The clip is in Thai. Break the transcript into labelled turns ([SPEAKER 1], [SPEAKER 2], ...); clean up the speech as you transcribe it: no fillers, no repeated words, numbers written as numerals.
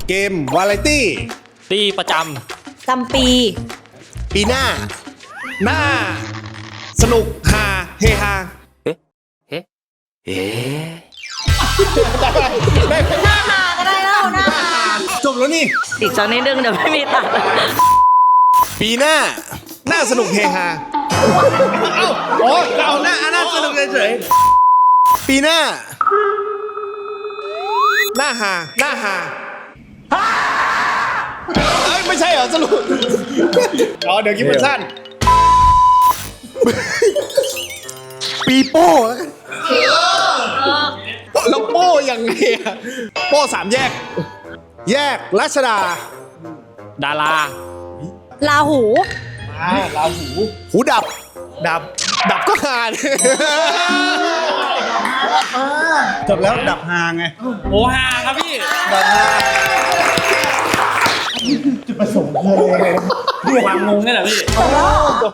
[SPEAKER 1] เกมวาไรตี้
[SPEAKER 2] ตีประจ
[SPEAKER 3] จำปี
[SPEAKER 1] ปีหน้า หน้า สนุกฮาเฮฮา
[SPEAKER 2] ำเอ๊ะ
[SPEAKER 1] ได้ไหม
[SPEAKER 3] หน้าหาก็ได้แล้วหน้าหา
[SPEAKER 1] จบแล้วนี่
[SPEAKER 3] อีกสักนิดนึงเดี๋ยวไม่มีตัด
[SPEAKER 1] ปีหน้า หน้าสนุกเฮฮาเอ้าอ๋อเราหน้าสนุกเฉยๆปีหน้า หน้าฮาเอ้ยไม่ใช่เหรอสรุปอ๋อเดี๋ยวคิดมันสั้น ปีโป้แล้วกันแล้วโป้ยังไงอะโป้สามแยก แยกรัชดา
[SPEAKER 2] ดารา
[SPEAKER 3] ลาหู
[SPEAKER 1] หูดับ ดับก็หาดิ
[SPEAKER 4] จบแล้วดับฮาไง
[SPEAKER 2] โอฮาครับพี่
[SPEAKER 4] ดับฮา
[SPEAKER 2] ความงงนี่แหละพี่
[SPEAKER 1] จบ